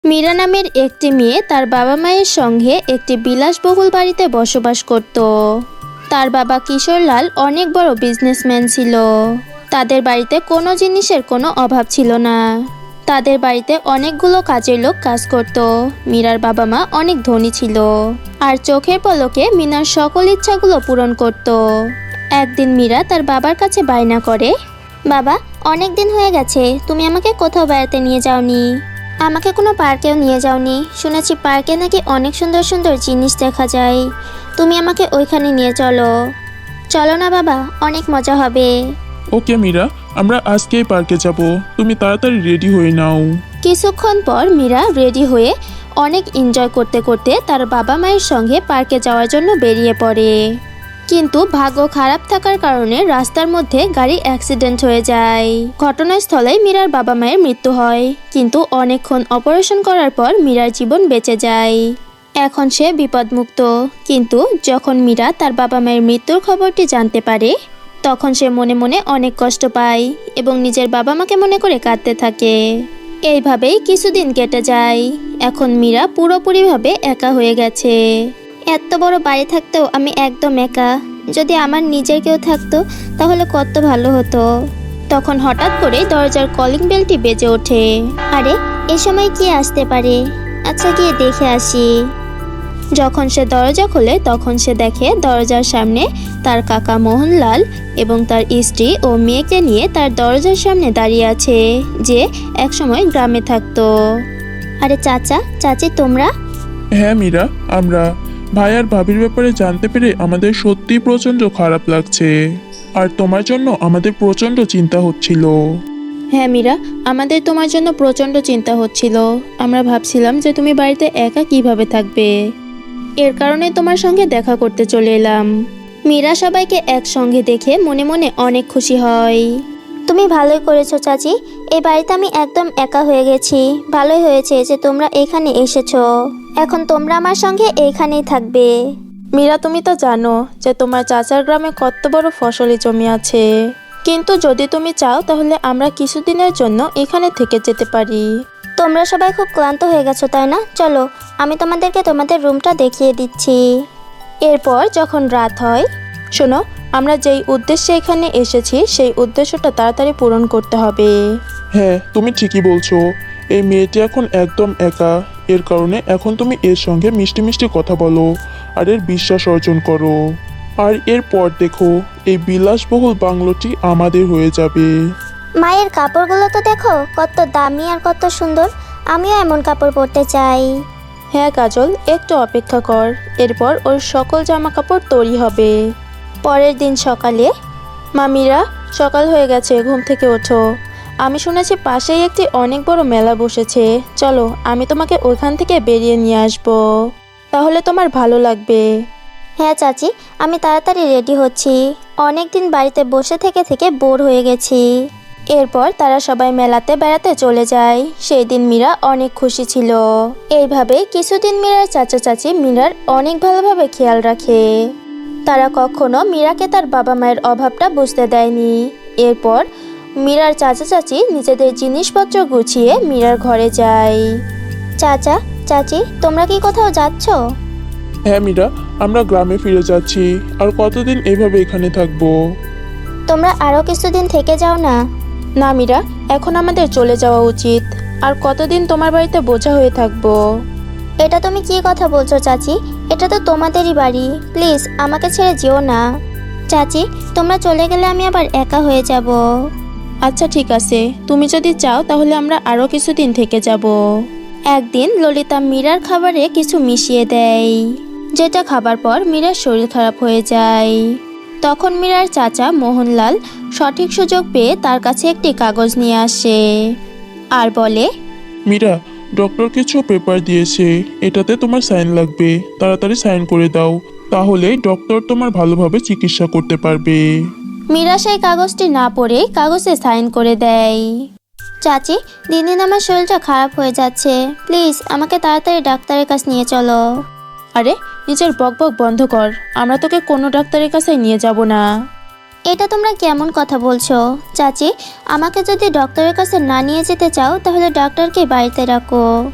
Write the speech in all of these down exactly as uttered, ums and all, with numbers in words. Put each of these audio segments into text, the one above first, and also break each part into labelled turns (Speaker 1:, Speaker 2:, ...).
Speaker 1: মীরা নামের একটি মেয়ে তার বাবা মায়ের সঙ্গে একটি বিলাসবহুল বাড়িতে বসবাস করত। তার বাবা কিশোরলাল অনেক বড় বিজনেসম্যান ছিল। তাদের বাড়িতে কোনো জিনিসের কোনো অভাব ছিল না। তাদের বাড়িতে অনেকগুলো কাজের লোক কাজ করত। মীরার বাবা মা অনেক ধনী ছিল আর চোখের পলকে মিনার সকল ইচ্ছাগুলো পূরণ করত। একদিন মীরা তার বাবার কাছে বায়না করে, বাবা, অনেক দিন হয়ে গেছে তুমি আমাকে কোথাও বেড়াতে নিয়ে যাওনি। আমাকে কোনো পার্কেও নিয়ে যাওনি। শুনেছি পার্কে নাকি অনেক সুন্দর সুন্দর জিনিস দেখা যায়। তুমি আমাকে ওইখানে নিয়ে চলো। চলো না বাবা, অনেক মজা হবে।
Speaker 2: ওকে মীরা, আমরা আজকেই পার্কে যাব। তুমি তাড়াতাড়ি রেডি হয়ে নাও।
Speaker 1: কিছুক্ষণ পর মীরা রেডি হয়ে অনেক এনজয় করতে করতে তার বাবা মায়ের সঙ্গে পার্কে যাওয়ার জন্য বেরিয়ে পড়ে। কিন্তু ভাগ্য খারাপ থাকার কারণে রাস্তার মধ্যে গাড়ি অ্যাক্সিডেন্ট হয়ে যায়। ঘটনাস্থলেই মীরার বাবা মায়ের মৃত্যু হয়, কিন্তু অনেকক্ষণ অপারেশন করার পর মীরার জীবন বেঁচে যায়। এখন সে বিপদমুক্ত। কিন্তু যখন মীরা তার বাবা মায়ের মৃত্যুর খবরটি জানতে পারে, তখন সে মনে মনে অনেক কষ্ট পায় এবং নিজের বাবা মাকে মনে করে কাঁদতে থাকে। এইভাবেই কিছুদিন কেটে যায়। এখন মীরা পুরোপুরিভাবে একা হয়ে গেছে। এত বড় বাড়ি থাকতেও আমি একদম একা। যদি আমার নিজের কেউ থাকতো তাহলে কত ভালো হতো। তখন হঠাৎ করে দরজার কলিং বেলটি বেজে ওঠে। আরে, এ সময় কি আসতে পারে? আচ্ছা, গিয়ে দেখে আসি। যখন সে দরজা খোলে তখন সে দেখে দরজার সামনে তার কাকা মোহনলাল এবং তার স্ত্রী ও মেয়েকে নিয়ে তার দরজার সামনে দাঁড়িয়ে আছে, যে একসময় গ্রামে থাকতো। আরে চাচা, চাচি, তোমরা?
Speaker 2: হ্যাঁ মীরা, আমরা। ভাই আর ভাবির ব্যাপারে জানতে পেরে আমাদের সত্যি প্রচণ্ড খারাপ লাগছে। আর তোমার জন্য আমাদের প্রচণ্ড চিন্তা হচ্ছিল।
Speaker 1: হ্যাঁ মীরা, আমাদের তোমার জন্য প্রচণ্ড চিন্তা হচ্ছিল। আমরা ভাবছিলাম যে তুমি বাড়িতে একা কিভাবে থাকবে। এর কারণে তোমার সঙ্গে দেখা করতে চলে এলাম। মীরা সবাইকে একসঙ্গে দেখে মনে মনে অনেক খুশি হয়। তুমি ভালোই করেছো চাচি। এই বাড়িতে আমি একদম একা হয়ে গেছি। ভালোই হয়েছে যে তোমরা এখানে এসেছো। এখন তোমরা আমার সঙ্গে এইখানেই থাকবে। মীরা, তুমি তো জানো যে তোমার চাচার গ্রামে কত বড় ফসলি জমি আছে। কিন্তু যদি তুমি চাও তাহলে আমরা কিছুদিনের জন্য এখানে থেকে যেতে পারি। তোমরা সবাই খুব ক্লান্ত হয়ে গেছো, তাই না? চলো, আমি তোমাদেরকে তোমাদের রুমটা দেখিয়ে দিচ্ছি। এরপর যখন রাত হয়, শোনো, আমরা যেই উদ্দেশ্যে এখানে এসেছি সেই উদ্দেশ্যটা তাড়াতাড়ি পূরণ করতে হবে।
Speaker 2: হ্যাঁ, তুমি ঠিকই বলছো। এই মেয়েটি এখন একদম একা। এর কারণে এখন তুমি এর সঙ্গে মিষ্টি মিষ্টি কথা বলো আর এর বিশ্বাস অর্জন করো। আর এরপর দেখো, এই বিলাসবহুল বাংলোটি আমাদের হয়ে যাবে।
Speaker 3: মায়ের কাপড়গুলো তো দেখো কত দামি আর কত সুন্দর। আমিও এমন কাপড় পরতে চাই।
Speaker 1: হ্যাঁ কাজল, একটু অপেক্ষা কর। এরপর ওর সকল জামা কাপড় তৈরি হবে। পরের দিন সকালে, মা মীরা, সকাল হয়ে গেছে, ঘুম থেকে ওঠো। আমি শুনেছি পাশেই একটি অনেক বড় মেলা বসেছে। চলো, আমি তোমাকে ওইখান থেকে বেরিয়ে নিয়ে আসবো, তাহলে তোমার ভালো লাগবে।
Speaker 3: হ্যাঁ চাচি, আমি তাড়াতাড়ি রেডি হচ্ছি। অনেক দিন বাড়িতে বসে থেকে থেকে বোর হয়ে গেছি।
Speaker 1: এরপর তারা সবাই মেলাতে বেড়াতে চলে যায়। সেই দিন মীরা অনেক খুশি ছিল। এইভাবে কিছুদিন মীরার চাচা চাচি মীরার অনেক ভালোভাবে খেয়াল রাখে। তারা কখনো মীরাকে তার বাবা মায়ের অভাবটা বুঝতে দেয়নি। এরপর মীরার চাচা চাচি নিজেদের জিনিসপত্র গুছিয়ে মীরার ঘরে যায়।
Speaker 3: চাচা, চাচি, তোমরা কি কোথাও যাচ্ছ?
Speaker 2: হ্যাঁ মীরা, আমরা গ্রামে ফিরে যাচ্ছি। আর কতদিন এভাবে এখানে থাকবো?
Speaker 3: তোমরা আরও কিছুদিন থেকে যাও না।
Speaker 1: না মীরা, এখন আমাদের চলে যাওয়া উচিত। আর কতদিন তোমার বাড়িতে বোঝা হয়ে থাকবো?
Speaker 3: এটা তুমি কি কথা বলছো চাচি? এটা তো তোমাদেরই বাড়ি। প্লিজ আমাকে ছেড়ে যেও না। চাচি, তোমরা চলে গেলে আমি আবার একা হয়ে যাব।
Speaker 1: আচ্ছা ঠিক আছে, তুমি যদি চাও তাহলে আমরা আরও কিছুদিন থেকে যাব। একদিন ললিতা মীরার খাবারে কিছু মিশিয়ে দেয়, যেটা খাবার পর মীরার শরীর খারাপ হয়ে যায়। তখন মীরার চাচা মোহনলাল সঠিক সুযোগ পেয়ে তার কাছে একটি কাগজ নিয়ে আসে আর বলে,
Speaker 2: মীরা, ডক্টর কিছু পেপার দিয়েছে। এটাতে তোমার সাইন লাগবে। তাড়াতাড়ি সাইন করে দাও, তাহলে ডক্টর তোমার ভালোভাবে চিকিৎসা করতে পারবে।
Speaker 1: মীরা সেই কাগজটি না পড়ে কাগজে সাইন করে দেয়।
Speaker 3: চাচি, দিন দিন আমার শরীরটা খারাপ হয়ে যাচ্ছে। প্লিজ আমাকে তাড়াতাড়ি ডাক্তারের কাছে নিয়ে চলো।
Speaker 1: আরে, নিজের বকবক বন্ধ কর। আমরা তোকে কোনো ডাক্তারের কাছে নিয়ে যাব না।
Speaker 3: এটা তোমরা কেমন কথা বলছো? চাচি, আমাকে যদি ডক্টরের কাছে না নিয়ে যেতে চাও তাহলে ডক্টরকে বাড়িতে রাখো।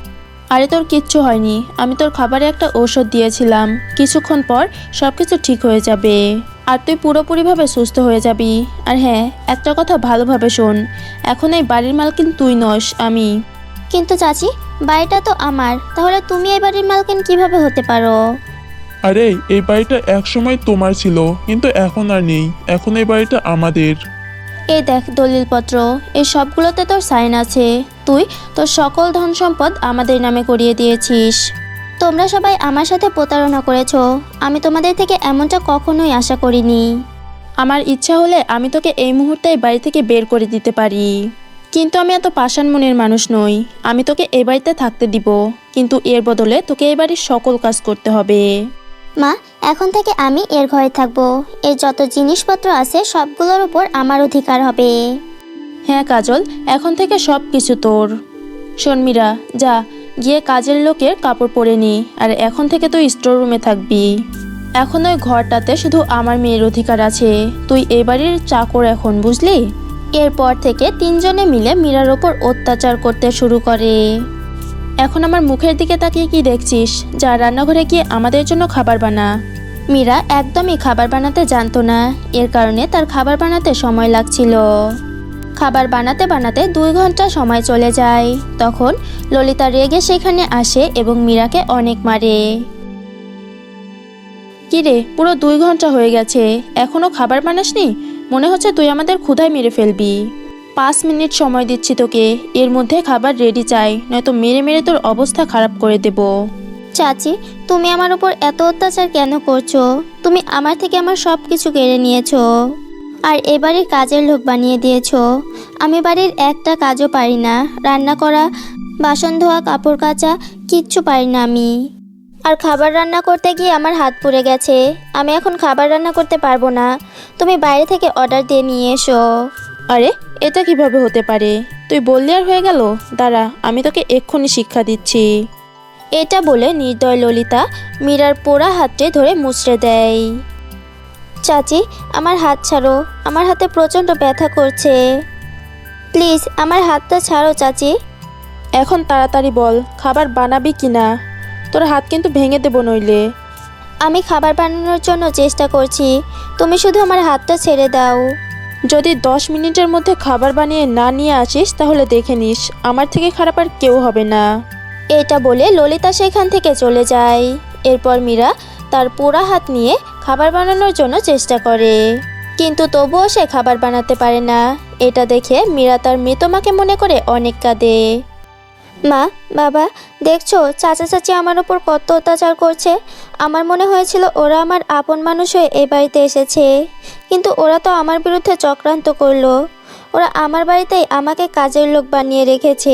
Speaker 1: আরে তোর কিচ্ছু হয়নি, আমি তোর খাবারে একটা ঔষধ দিয়েছিলাম, কিছুক্ষণ পর সব কিছু ঠিক হয়ে যাবে আর তুই পুরোপুরিভাবে সুস্থ হয়ে যাবি। আর হ্যাঁ, একটা কথা ভালোভাবে শোন, এখন এই বাড়ির মালকিন তুই নস, আমি।
Speaker 3: কিন্তু চাচি, বাড়িটা তো আমার, তাহলে তুমি এই বাড়ির মালকিন কিভাবে হতে পারো?
Speaker 2: আরে এই বাড়িটা একসময় তোমার ছিল, কিন্তু এখন আর নেই, এখন এই বাড়িটা আমাদের।
Speaker 1: এই দেখ দলিলপত্র, এই সবগুলোতে তোর সাইন আছে। তুই তোর সকল ধন সম্পদ আমাদের নামে করিয়ে দিয়েছিস।
Speaker 3: তোমরা সবাই আমার সাথে প্রতারণা করেছো, আমি তোমাদের থেকে এমনটা কখনোই আশা করিনি।
Speaker 1: আমার ইচ্ছা হলে আমি তোকে এই মুহূর্তে এই বাড়ি থেকে বের করে দিতে পারি, কিন্তু আমি এত পাষাণ মনের মানুষ নই। আমি তোকে এই বাড়িতে থাকতে দিব, কিন্তু এর বদলে তোকে এই বাড়ির সকল কাজ করতে হবে।
Speaker 3: মা, এখন থেকে আমি এর ঘরে থাকবো, এর যত জিনিসপত্র আছে সবগুলোর উপর আমার অধিকার হবে।
Speaker 1: হ্যাঁ কাজল, এখন থেকে সব কিছু তোর। শোন মীরা, যা গিয়ে কাজের লোকের কাপড় পরে নি, আর এখন থেকে তুই স্টোর রুমে থাকবি। এখন ওই ঘরটাতে শুধু আমার মেয়ের অধিকার আছে, তুই এই বাড়ির চাকর এখন, বুঝলি? এরপর থেকে তিনজনে মিলে মীরার ওপর অত্যাচার করতে শুরু করে। এখন আমার মুখের দিকে তাকিয়ে কি দেখছিস? যা রান্নাঘরে গিয়ে আমাদের জন্য খাবার বানা। মীরা একদমই খাবার বানাতে জানতো না, এর কারণে তার খাবার বানাতে সময় লাগছিল। খাবার বানাতে বানাতে দুই ঘন্টা সময় চলে যায়। তখন ললিতা রেগে সেখানে আসে এবং মীরাকে অনেক মারে। কিরে, পুরো দুই ঘন্টা হয়ে গেছে, এখনো খাবার বানাসনি? মনে হচ্ছে তুই আমাদের ক্ষুধায় মেরে ফেলবি। পাঁচ মিনিট সময় দিচ্ছি তোকে, এর মধ্যে খাবার রেডি চাই, নয়তো মেরে মেরে তোর অবস্থা খারাপ করে দেব।
Speaker 3: চাচি, তুমি আমার উপর এত অত্যাচার কেন করছো? তুমি আমার থেকে আমার সব কিছু কেড়ে নিয়েছো আর এ বাড়ির কাজের লোক বানিয়ে দিয়েছো। আমি বাড়ির একটা কাজও পারি না, রান্না করা, বাসন ধোয়া, কাপড় কাচা কিচ্ছু পারি না আমি। আর খাবার রান্না করতে গিয়ে আমার হাত পুড়ে গেছে, আমি এখন খাবার রান্না করতে পারবো না। তুমি বাইরে থেকে অর্ডার দিয়ে নিয়ে এসো।
Speaker 1: আরে এটা কিভাবে হতে পারে? তুই বললি আর হয়ে গেল? দাঁড়া, আমি তোকে এক্ষুনি শিক্ষা দিচ্ছি। এটা বলে নির্দয় ললিতা মীরার পোড়া হাতটি ধরে মুচড়ে দেয়।
Speaker 3: চাচি, আমার হাত ছাড়ো, আমার হাতে প্রচণ্ড ব্যথা করছে, প্লিজ আমার হাতটা ছাড়ো চাচি।
Speaker 1: এখন তাড়াতাড়ি বল, খাবার বানাবি কিনা? তোর হাত কিন্তু ভেঙে দেবো নইলে।
Speaker 3: আমি খাবার বানানোর জন্য চেষ্টা করছি, তুমি শুধু আমার হাতটা ছেড়ে দাও।
Speaker 1: যদি দশ মিনিটের মধ্যে খাবার বানিয়ে না নিয়ে আসিস তাহলে দেখে নিস, আমার থেকে খারাপ আর কেউ হবে না।
Speaker 3: এটা বলে ললিতা সেখান থেকে চলে যায়। এরপর মীরা তার পোড়া হাত নিয়ে খাবার বানানোর জন্য চেষ্টা করে, কিন্তু তবুও সে খাবার বানাতে পারে না। এটা দেখে মীরা তার মৃত মাকে মনে করে অনেক কাঁদে। মা, বাবা, দেখছো চাচা চাচি আমার ওপর কত অত্যাচার করছে। আমার মনে হয়েছিল ওরা আমার আপন মানুষ হয়ে এই বাড়িতে এসেছে, কিন্তু ওরা তো আমার বিরুদ্ধে চক্রান্ত করলো। ওরা আমার বাড়িতেই আমাকে কাজের লোক বানিয়ে রেখেছে।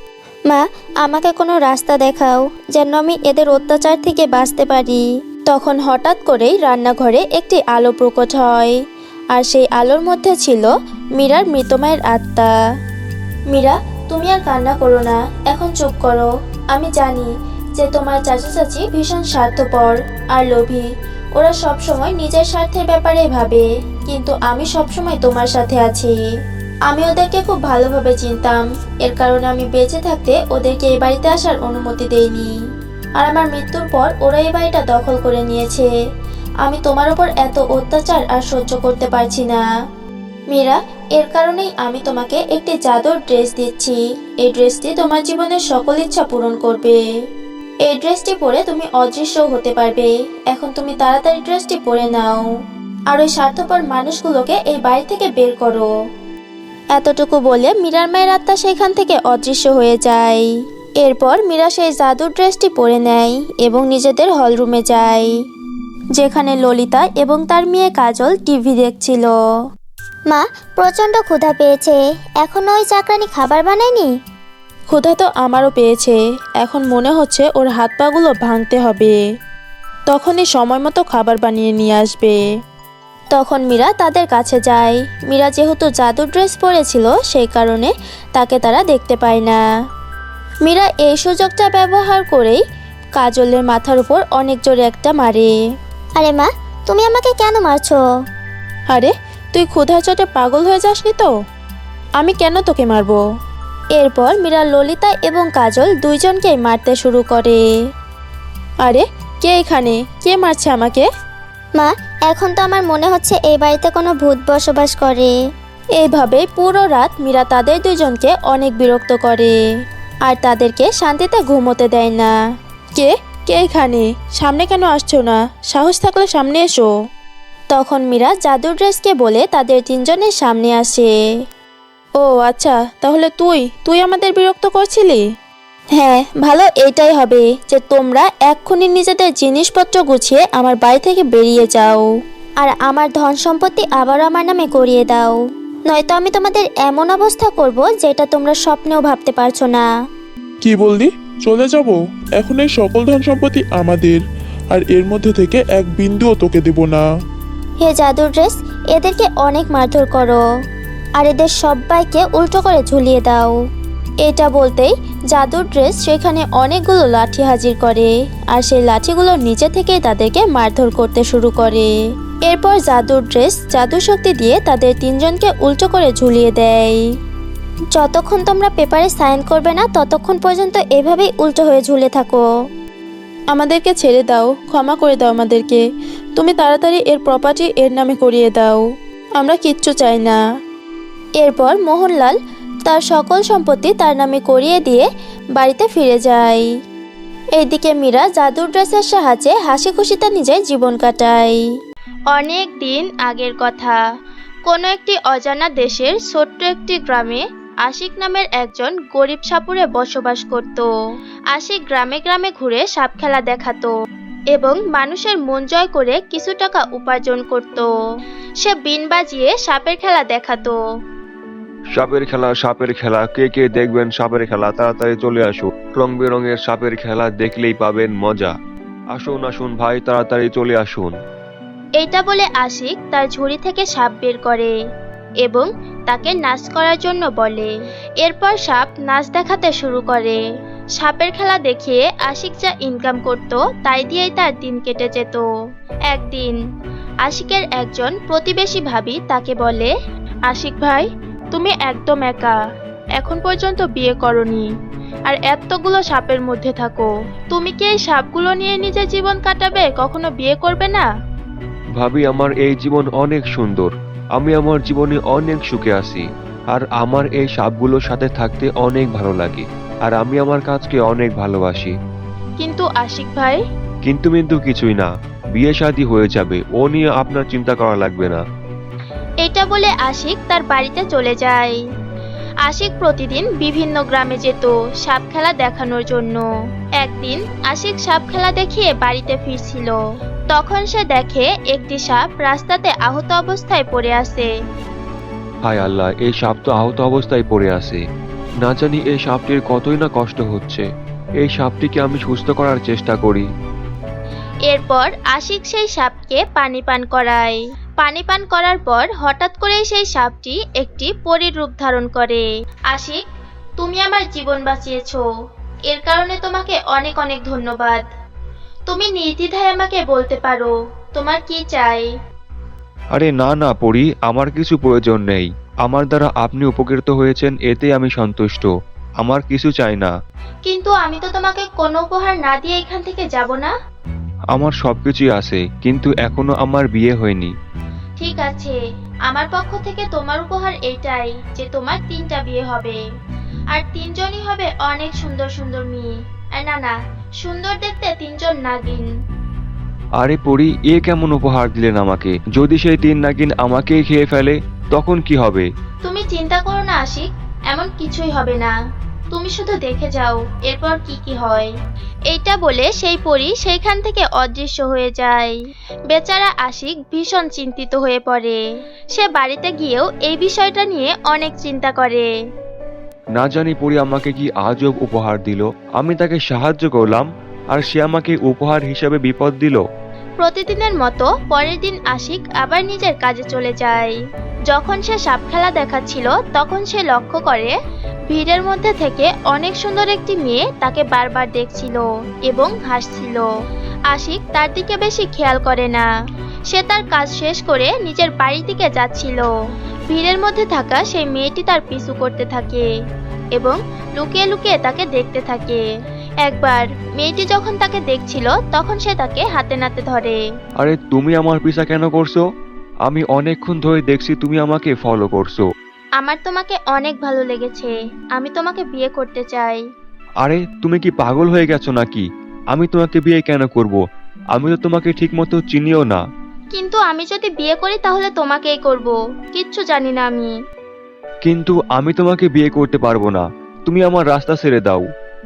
Speaker 3: মা, আমাকে কোনো রাস্তা দেখাও যেন আমি এদের অত্যাচার থেকে বাঁচতে পারি।
Speaker 1: তখন হঠাৎ করেই রান্নাঘরে একটি আলো প্রকট হয়, আর সেই আলোর মধ্যে ছিল মীরার মৃত মায়ের আত্মা। মীরা, তুমি আর কান্না করো না, এখন চুপ করো। আমি জানি যে তোমার চাচা চাচি ভীষণ স্বার্থপর আর লোভী, ওরা সব সময় নিজের স্বার্থের ব্যাপারে ভাবে, কিন্তু আমি সব সময় তোমার সাথে আছি। আমি ওদেরকে খুব ভালোভাবে চিনতাম, এর কারণে আমি বেঁচে থাকতে ওদেরকে এই বাড়িতে আসার অনুমতি দেইনি, আর আমার মৃত্যুর পর ওরা এই বাড়িটা দখল করে নিয়েছে। আমি তোমার উপর এত অত্যাচার আর সহ্য করতে পারছি না মীরা, এর কারণেই আমি তোমাকে একটি জাদুর ড্রেস দিচ্ছি। এই ড্রেসটি তোমার জীবনের সকল ইচ্ছা পূরণ করবে। এই ড্রেসটি পরে তুমি অদৃশ্য হতে পারবে। এখন তুমি তাড়াতাড়ি ড্রেসটি পরে নাও, আর ওই স্বার্থপর মানুষগুলোকে এই বাড়ি থেকে বের করো। এতটুকু বলে মীরার মায়ের আত্মা সেখান থেকে অদৃশ্য হয়ে যায়। এরপর মীরা সেই জাদুর ড্রেসটি পরে নেয় এবং নিজেদের হলরুমে যায়, যেখানে ললিতা এবং তার মেয়ে কাজল টিভি দেখছিল।
Speaker 3: মা, প্রচণ্ড ক্ষুধা পেয়েছে, এখনো ওই চাকরানি খাবার বানায়নি?
Speaker 1: ক্ষুধা তো আমারও পেয়েছে, এখন মনে হচ্ছে ওর হাত পাগুলো ভাঙতে হবে, তখনই সময় মতো খাবার বানিয়ে নিয়ে আসবে। তখন মীরা তাদের কাছে যায়। মীরা যেহেতু জাদুর ড্রেস পরেছিল সেই কারণে তাকে তারা দেখতে পায় না। মীরা এই সুযোগটা ব্যবহার করেই কাজলের মাথার উপর অনেক জোরে একটা মারে।
Speaker 3: আরে মা, তুমি আমাকে কেন মারছো?
Speaker 1: আরে তুই ক্ষুধার চোটে পাগল হয়ে যাসনি তো? আমি কেন তোকে মারবো?
Speaker 3: এরপর মীরা ললিতা এবং কাজল দুইজনকেই মারতে শুরু করে।
Speaker 1: আরে কে এখানে? কে মারছে আমাকে?
Speaker 3: মা, এখন তো আমার মনে হচ্ছে এই বাড়িতে কোনো ভূত বসবাস করে।
Speaker 1: এইভাবে পুরো রাত মীরা তাদের দুজনকে অনেক বিরক্ত করে আর তাদেরকে শান্তিতে ঘুমোতে দেয় না। কে কে এখানে? সামনে কেন আসছো না? সাহস থাকলে সামনে এসো।
Speaker 3: তখন মীরা জাদুর ড্রেসকে বলে তাদের তিনজনের সামনে আসে।
Speaker 1: ও আচ্ছা, তাহলে তুই তুই আমাদের বিরক্ত করছিলি?
Speaker 3: হ্যাঁ, ভালো এটাই হবে যে তোমরা এক্ষুনি নিজেদের জিনিসপত্র গুছিয়ে আমার বাড়ি থেকে বেরিয়ে যাও আর আমার ধন সম্পত্তি আবার আমার নামে করিয়ে দাও, নয়তো আমি তোমাদের এমন অবস্থা করব যেটা তোমরা স্বপ্নেও ভাবতে পারছো না।
Speaker 2: কি বললি? চলে যাব? এখন এই সকল ধন সম্পত্তি আমাদের, আর এর মধ্যে থেকে এক বিন্দুও তোকে দেব না।
Speaker 3: হে জাদুর ড্রেস, এদেরকে অনেক মারধর করো আর এদের সবাইকে উল্টো করে ঝুলিয়ে দাও। এটা বলতেই জাদুর ড্রেস সেখানে অনেকগুলো লাঠি হাজির করে আর সেই লাঠিগুলো নিচে থেকে তাদেরকে মারধর করতে শুরু করে। এরপর জাদুর ড্রেস জাদু শক্তি দিয়ে তাদের তিনজনকে উল্টো করে ঝুলিয়ে দেয়। যতক্ষণ তোমরা পেপারে সাইন করবে না ততক্ষণ পর্যন্ত এভাবেই উল্টো হয়ে ঝুলে থাকো।
Speaker 1: আমাদেরকে ছেড়ে দাও, ক্ষমা করে দাও আমাদেরকে। তুমি তাড়াতাড়ি এর প্রপার্টি এর নামে করিয়ে দাও, আমরা কিচ্ছু চাই না।
Speaker 3: এরপর মোহনলাল তার সকল সম্পত্তি তার নামে করিয়ে দিয়ে বাড়িতে ফিরে যায়। এইদিকে মীরা জাদুর ড্রেসের সাহায্যে হাসি খুশিতে নিজের জীবন কাটায়।
Speaker 1: অনেক দিন আগের কথা, কোনো একটি অজানা দেশের ছোট্ট একটি গ্রামে আশিক নামের একজন গরিব সাপুড়ে বসবাস করত। আশিক গ্রামে গ্রামে ঘুরে সাপ খেলা দেখাতো এবং মানুষের মন জয় করে কিছু টাকা উপার্জন করত। সে বিন বাজিয়ে সাপের খেলা দেখাতো।
Speaker 4: সাপের খেলা সাপের খেলা কে কে দেখবেন সাপের খেলা, তাড়াতাড়ি চলে আসুন। রং বেরঙের সাপের খেলা দেখলেই পাবেন মজা। আসুন আসুন ভাই, তাড়াতাড়ি চলে আসুন।
Speaker 1: এইটা বলে আশিক তার ঝুড়ি থেকে সাপ বের করে এবং তাকে নাচ করার জন্য বলে। এরপর সাপ নাচ দেখাতে শুরু করে। সাপের খেলা দেখিয়ে আশিক যা ইনকাম করত তাই দিয়েই তার দিন কেটে যেত। একদিন আশিকের একজন প্রতিবেশী ভাবি তাকে বলে, আশিক ভাই, তুমি একদম একা, এখন পর্যন্ত বিয়ে করনি আর এতগুলো সাপের মধ্যে থাকো, তুমি কি এই সাপগুলো নিয়ে নিজের জীবন কাটাবে? কখনো বিয়ে করবে না?
Speaker 4: ভাবি, আমার এই জীবন অনেক সুন্দর, আমি আমার জীবনে অনেক সুখে আছি আর আমার এই সাপগুলোর সাথে থাকতে অনেক ভালো লাগে আর আমি আমার কাজকে অনেক ভালোবাসি।
Speaker 1: কিন্তু আশিক ভাই।
Speaker 4: কিন্তু কিন্তু কিছুই না, বিয়ে শাদী হয়ে যাবে, ও নিয়ে আপনার চিন্তা করা লাগবে না।
Speaker 1: এটা বলে আশিক তার বাড়িতে চলে যায়। আশিক প্রতিদিন বিভিন্ন গ্রামে যেত সাপ খেলা দেখানোর জন্য। একদিন আশিক সাপ খেলা দেখিয়ে বাড়িতে ফিরছিল, তখন সে দেখে একটি সাপ রাস্তাতে আহত অবস্থায় পড়ে আছে।
Speaker 4: হায় আল্লাহ, এই সাপ তো আহত অবস্থায় পড়ে আছে। না জানি এই সাপটির কতই না কষ্ট হচ্ছে। এই সাপটিকে আমি সুস্থ করার চেষ্টা করি।
Speaker 1: এরপর আশিক সেই সাপকে পানি পান করায়। পানি পান করার পর হঠাৎ করেই সেই সাপটি একটি পরীর রূপ ধারণ করে। আশিক, তুমি আমার জীবন বাঁচিয়েছো, এর কারণে তোমাকে অনেক অনেক ধন্যবাদ। তুমি নির্দ্বিধায় আমাকে বলতে পারো তোমার কি চাই।
Speaker 4: আরে না না পরি, আমার কিছু প্রয়োজন নেই। আমার দ্বারা আপনি উপকৃত হয়েছেন, এতে আমি সন্তুষ্ট। আমার কিছু চাই না।
Speaker 1: কিন্তু আমি তো তোমাকে কোনো উপহার না দিয়ে এখান থেকে যাব না।
Speaker 4: আমার সবকিছুই আছে, কিন্তু এখনো আমার বিয়ে হয়নি।
Speaker 1: ঠিক আছে, আমার পক্ষ থেকে তোমার উপহার এইটাই যে তোমার তিনটা বিয়ে হবে আর তিনজনই হবে অনেক সুন্দর সুন্দর মেয়ে। আর না না, সুন্দর দেখতে তিনজন নাগিন।
Speaker 4: আরে পরি, এ কেমন উপহার দিলেন আমাকে? যদি সেই তিন নাগিন আমাকেই খেয়ে ফেলে তখন কি হবে?
Speaker 1: তুমি চিন্তা করো না আশিক, এমন কিছুই হবে না। তুমি শুধু দেখে যাও এরপর কি কি হয়। এইটা বলে সেই পরী সেইখান থেকে অদৃশ্য হয়ে যায়। বেচারা আশিক ভীষণ চিন্তিত হয়ে পড়ে। সে বাড়িতে গিয়েও এই বিষয়টা নিয়ে অনেক চিন্তা করে।
Speaker 4: না জানি পরি আমাকে কি আজব উপহার দিল। আমি তাকে সাহায্য করলাম আর সে আমাকে উপহার হিসেবে বিপদ দিল।
Speaker 1: প্রতিদিনের মতো পরের দিন আশিক আবার নিজের কাজে চলে যায়। যখন সে সাপ খেলা দেখাচ্ছিল তখন সে লক্ষ্য করে ভিড়ের মধ্যে থেকে অনেক সুন্দর একটি মেয়ে তাকে বারবার দেখছিল এবং হাসছিল। আশিক তার দিকে বেশি খেয়াল করে না। সে তার কাজ শেষ করে নিজের বাড়ির দিকে যাচ্ছিল।
Speaker 3: ভিড়ের মধ্যে থাকা সেই মেয়েটি তার পিছু করতে থাকে এবং লুকিয়ে লুকিয়ে তাকে দেখতে থাকে। একবার মেয়েটি যখন তাকে দেখছিল তখন সে তাকে হাতে নাতে ধরে।
Speaker 4: আরে তুমি আমার পিছা কেন করছো? আমি অনেকক্ষণ ধরে দেখছি তুমি আমাকে ফলো করছো।
Speaker 3: আমার তোমাকে অনেক ভালো লেগেছে, আমি তোমাকে বিয়ে করতে চাই।
Speaker 4: আরে তুমি কি পাগল হয়ে গেছো নাকি? আমি তোমাকে বিয়ে কেন করব? আমি তো তোমাকে ঠিক মতো চিনিও না।
Speaker 3: কিন্তু আমি যদি বিয়ে করি তাহলে তোমাকেই করব, কিচ্ছু জানি না আমি।
Speaker 4: কিন্তু আমি তোমাকে বিয়ে করতে পারবো না, তুমি আমার রাস্তা ছেড়ে দাও।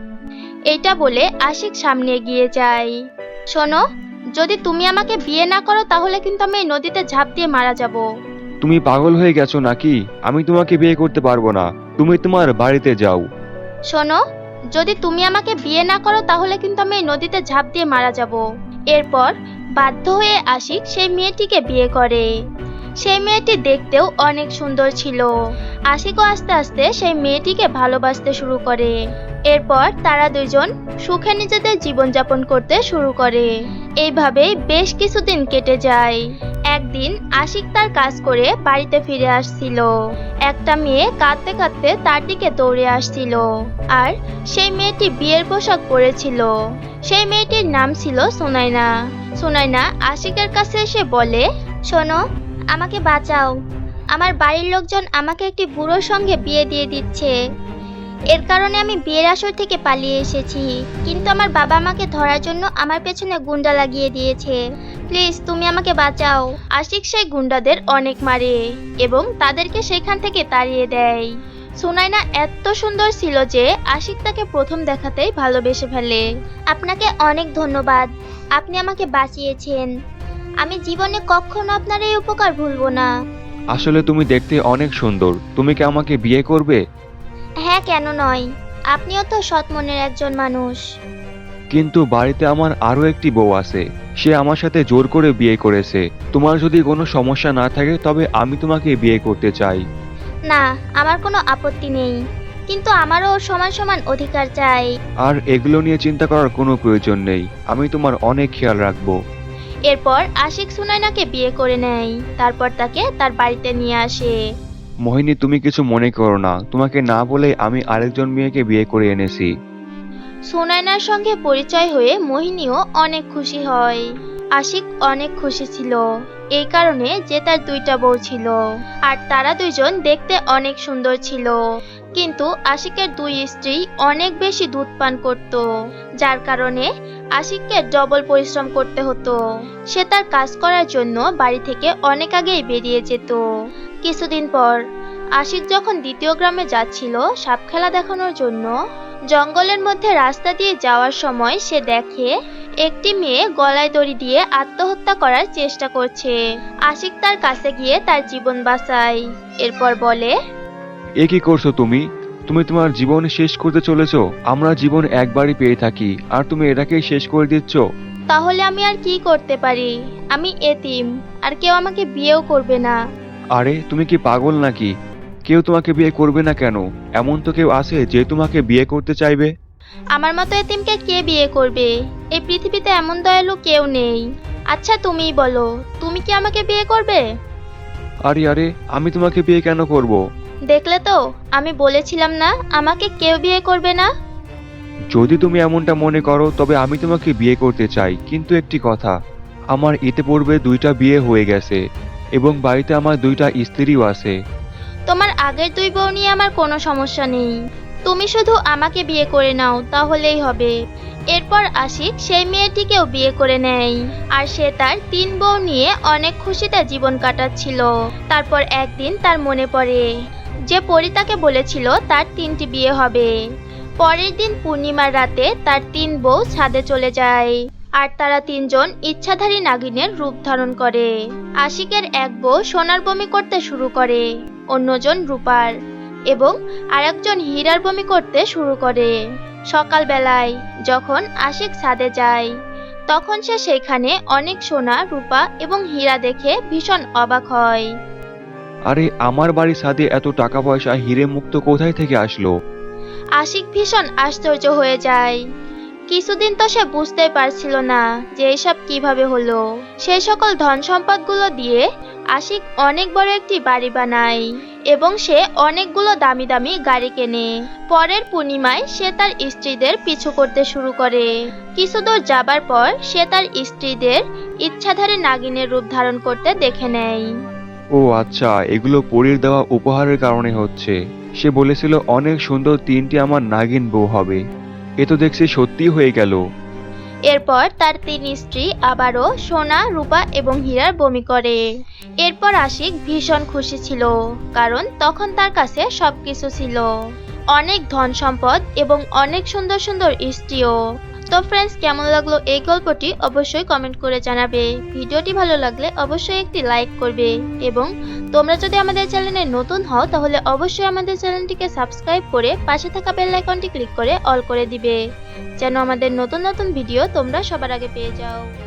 Speaker 3: এইটা বলে আশিক সামনে এগিয়ে যায়। শোনো, যদি তুমি আমাকে বিয়ে না করো তাহলে কিন্তু আমি এই নদীতে ঝাঁপ দিয়ে মারা যাব।
Speaker 4: তুমি পাগল হয়ে গেছো নাকি? আমি তোমাকে বিয়ে করতে পারবো না, তুমি তোমার বাড়িতে যাও।
Speaker 3: শোনো, যদি তুমি আমাকে বিয়ে না করো তাহলে কিন্তু আমি এই নদীতে ঝাঁপ দিয়ে মারা যাব। এরপর বাধ্য হয়ে আশিক সেই মেয়েটিকে বিয়ে করে। সেই মেয়েটি দেখতেও অনেক সুন্দর ছিল। আশিকও আস্তে আস্তে সেই মেয়েটিকে ভালোবাসতে শুরু করে। এরপর তারা দুইজন সুখে নিজেদের জীবনযাপন করতে শুরু করে। এইভাবেই বেশ কিছুদিন কেটে যায়। একদিন আশিক তার কাজ করে বাড়িতে ফিরে আসছিল। একটা মেয়ে কাঁদতে কাঁদতে তার দিকে দৌড়ে আসছিল, আর সেই মেয়েটি বিয়ের পোশাক পরেছিল। সেই মেয়েটির নাম ছিল সুনাইনা। সুনাইনা আশিকের কাছে এসে বলে, শোনো, আমাকে বাঁচাও, আমার বাড়ির লোকজন আমাকে একটি বুড়োর সঙ্গে বিয়ে দিয়ে দিচ্ছে। এর কারণে আমি বিয়ের আসর থেকে পালিয়ে এসেছি, কিন্তু আমার বাবা আমাকে ধরার জন্য আমার পেছনে গুন্ডা লাগিয়ে দিয়েছে। প্লিজ তুমি আমাকে বাঁচাও। আশিক সেই গুন্ডাদের অনেক মারে এবং তাদেরকে সেখান থেকে তাড়িয়ে দেয়। সুনাইনা এত সুন্দর ছিল যে আশিক তাকে প্রথম দেখাতেই ভালোবেসে ফেলে। আপনাকে অনেক ধন্যবাদ, আপনি আমাকে বাঁচিয়েছেন। আমি জীবনে কখনো আপনার এই উপকার ভুলবো না।
Speaker 4: আসলে তুমি দেখতে অনেক সুন্দর, তুমি কি আমাকে বিয়ে করবে?
Speaker 3: হ্যাঁ, কেন নয়, আপনিও তো সৎ মনের একজন মানুষ।
Speaker 4: কিন্তু বাড়িতে আমার আরো একটি বউ আছে, সে আমার সাথে জোর করে বিয়ে করেছে। তোমার যদি কোনো সমস্যা না থাকে তবে আমি তোমাকে বিয়ে করতে চাই।
Speaker 3: না, আমার কোনো আপত্তি নেই, কিন্তু আমারও ওর সমান সমান অধিকার চাই।
Speaker 4: আর এগুলো নিয়ে চিন্তা করার কোনো প্রয়োজন নেই, আমি তোমার অনেক খেয়াল রাখবো।
Speaker 3: এরপর আশিক সুনাইনাকে বিয়ে করে নেয়। তারপর তাকে তার বাড়িতে নিয়ে আসে।
Speaker 4: মোহিনী, তুমি কিছু মনে করো না, তোমাকে না বলে আমি আরেকজন মেয়েকে বিয়ে করে এনেছি।
Speaker 3: সুনাইনার সঙ্গে পরিচয় হয়ে মোহিনীও অনেক খুশি হয়। আশিক অনেক খুশি ছিল এই কারণে যে তার দুইটা বউ ছিল, আর তারা দুইজন দেখতে অনেক সুন্দর ছিল। কিন্তু আশিকের দুই স্ত্রী অনেক বেশি দুধ পান করত, যার কারণে আশিককে ডবল পরিশ্রম করতে হতো। সে তার কাজ করার জন্য বাড়ি থেকে অনেক আগেই বেরিয়ে যেত। কিছুদিন পর আশিক যখন দ্বিতীয় গ্রামে যাচ্ছিল সাপ খেলা দেখানোর জন্য, জঙ্গলের মধ্যে রাস্তা দিয়ে যাওয়ার সময় সে দেখে একটি মেয়ে গলায় দড়ি দিয়ে আত্মহত্যা করার চেষ্টা করছে। আশিক তার কাছে গিয়ে তার জীবন বাঁচায়। এরপর বলে,
Speaker 4: এ কি করছো তুমি? তুমি তোমার জীবন শেষ করতে চলেছো? আমরা জীবন একবারই পেয়ে থাকি, আর তুমি এটাকেই শেষ করে দিচ্ছ।
Speaker 3: তাহলে আমি আর কি করতে পারি? আমি এতিম, আর কেউ আমাকে বিয়েও করবে না।
Speaker 4: আরে তুমি কি পাগল নাকি? কেউ তোমাকে বিয়ে করবে না কেন? এমন তো কেউ আছে যে তোমাকে বিয়ে করতে চাইবে।
Speaker 3: আমার মতো এতিমকে কে বিয়ে করবে? এই পৃথিবীতে এমন দয়ালু কেউ নেই। আচ্ছা তুমিই বলো, তুমি কি আমাকে বিয়ে করবে?
Speaker 4: আরে আরে আমি তোমাকে বিয়ে কেন করব?
Speaker 3: দেখলে তো, আমি বলেছিলাম না আমাকে কেউ বিয়ে করবে না।
Speaker 4: যদি তুমি এমনটা মনে করো তবে আমি তোমাকে বিয়ে করতে চাই, কিন্তু একটি কথা, আমার ইতিপূর্বে দুইটা বিয়ে হয়ে গেছে এবং বাড়িতে আমার দুইটা স্ত্রীও আছে।
Speaker 3: তোমার আগের দুই বউ নিয়ে আমার কোনো সমস্যা নেই, তুমি শুধু আমাকে বিয়ে করে নাও তাহলেই হবে। এরপর আশিক সেই মেয়েটিকেও বিয়ে করে নেয়, আর সে তার তিন বউ নিয়ে অনেক খুশিতে জীবন কাটাচ্ছিল। তারপর একদিন তার মনে পড়ে যে পরী তাকে বলেছিল তার তিনটি বিয়ে হবে। পরের দিন পূর্ণিমার রাতে তার তিন বউ ছাদে চলে যায়, আর তারা তিনজন ইচ্ছাধারী নাগিনের রূপ ধারণ করে। আশিকের এক বউ সোনার বমি করতে শুরু করে, অন্যজন রূপার এবং আরেকজন হীরার বমি করতে শুরু করে। সকালবেলায় যখন আশিক ছাদে যায় তখন সে সেখানে অনেক সোনা, রূপা এবং হীরা দেখে ভীষণ অবাক হয়।
Speaker 4: আরে আমার বাড়ির ছাদে এত টাকা পয়সা, হিরে মুক্ত কোথায় থেকে আসলো?
Speaker 3: আশিক ভীষণ আশ্চর্য হয়ে যায়, কিছুদিন তো সে বুঝতেই পারছিল না যে এসব কিভাবে হলো। সেই সকল ধন সম্পদগুলো দিয়ে আশিক অনেক বড় একটি বাড়ি বানায় এবং সে অনেকগুলো দামি দামি গাড়ি কেনে। পরের পূর্ণিমায় সে তার স্ত্রীদের পিছু করতে শুরু করে। কিছু দূর যাবার পর সে তার স্ত্রীদের ইচ্ছাধারী নাগিনের রূপ ধারণ করতে দেখে নেয়।
Speaker 4: ও আচ্ছা, এগুলো পরীর দেওয়া উপহারের কারণে হচ্ছে। সে বলেছিল অনেক সুন্দর তিনটি আমার নাগিন বউ হবে। এ তো দেখছি সত্যি হয়ে গেল।
Speaker 3: এরপর তার তিন স্ত্রী আবারও সোনা, রূপা এবং হীরার বমি করে। এরপর আশিক ভীষণ খুশি ছিল, কারণ তখন তার কাছে সবকিছু ছিল, অনেক ধন সম্পদ এবং অনেক সুন্দর সুন্দর স্ত্রীও। তো ফ্রেন্ডস, কেমন লাগলো এই গল্পটি অবশ্যই কমেন্ট করে জানাবে। ভিডিওটি ভালো লাগলে অবশ্যই একটি লাইক করবে এবং তোমরা যদি আমাদের চ্যানেলে নতুন হও তাহলে অবশ্যই আমাদের চ্যানেলটিকে সাবস্ক্রাইব করে পাশে থাকা বেল আইকনটি ক্লিক করে অল করে দিবে, যেন আমাদের নতুন নতুন ভিডিও তোমরা সবার আগে পেয়ে যাও।